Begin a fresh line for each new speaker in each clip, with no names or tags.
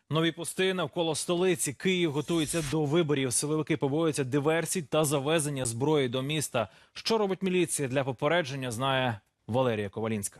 Нові пости навколо столиці. Київ готується до виборів. Силовики побоюються диверсій та завезення зброї до міста. Що робить міліція для попередження, знає Валерія Ковалінська.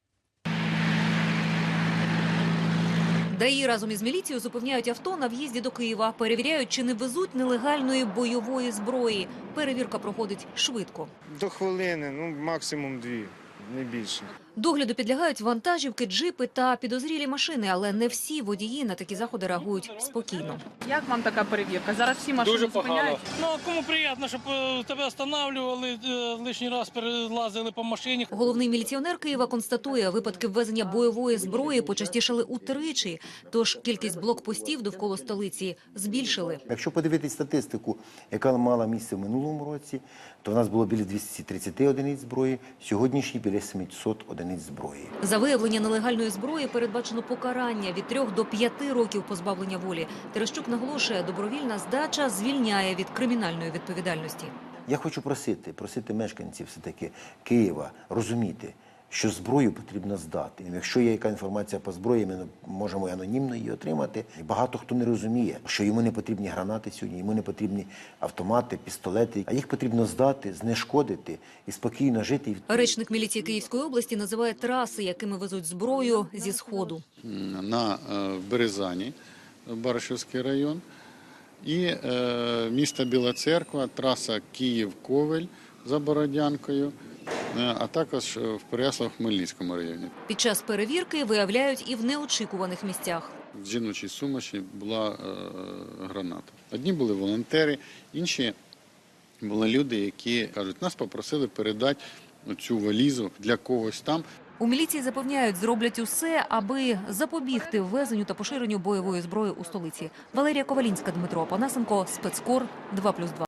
ДАІ разом із міліцією зупиняють авто на в'їзді до Києва. Перевіряють, чи не везуть нелегальної бойової зброї. Перевірка проходить швидко.
До хвилини, максимум 2, не більше.
Догляду підлягають вантажівки, джипи та підозрілі машини, але не всі водії на такі заходи реагують спокійно.
Як вам така перевірка? Зараз всі машини
Дуже
зупиняють.
погано. Ну, а кому приємно, щоб тебе встановлювали, лишній раз перелазили по машині.
Головний міліціонер Києва констатує, випадки ввезення бойової зброї почастішали утричі, тож кількість блокпостів довкола столиці збільшили.
Якщо подивитись статистику, яка мала місце в минулому році, то в нас було біля 230 одиниць зброї, сьогоднішні біля 700 одиниць зброї.
За виявлення нелегальної зброї передбачено покарання від 3 до 5 років позбавлення волі. Терещук наголошує, добровільна здача звільняє від кримінальної відповідальності.
Я хочу просити мешканців все-таки Києва розуміти, що зброю потрібно здати. І якщо є яка інформація по зброї, ми можемо анонімно її отримати. І багато хто не розуміє, що йому не потрібні гранати сьогодні, йому не потрібні автомати, пістолети, а їх потрібно здати, знешкодити і спокійно жити.
Речник міліції Київської області називає траси, якими везуть зброю зі Сходу.
На Березані, Баришівський район, і місто Біла Церква, траса Київ-Ковель за Бородянкою, а також в Переяслав-Хмельницькому районі.
Під час перевірки виявляють і в неочікуваних місцях.
В жіночій сумочці була граната. Одні були волонтери, інші були люди, які кажуть, нас попросили передати цю валізу для когось там.
У міліції запевняють, зроблять усе, аби запобігти ввезенню та поширенню бойової зброї у столиці. Валерія Ковалінська, Дмитро Опанасенко, Спецкор 2+2.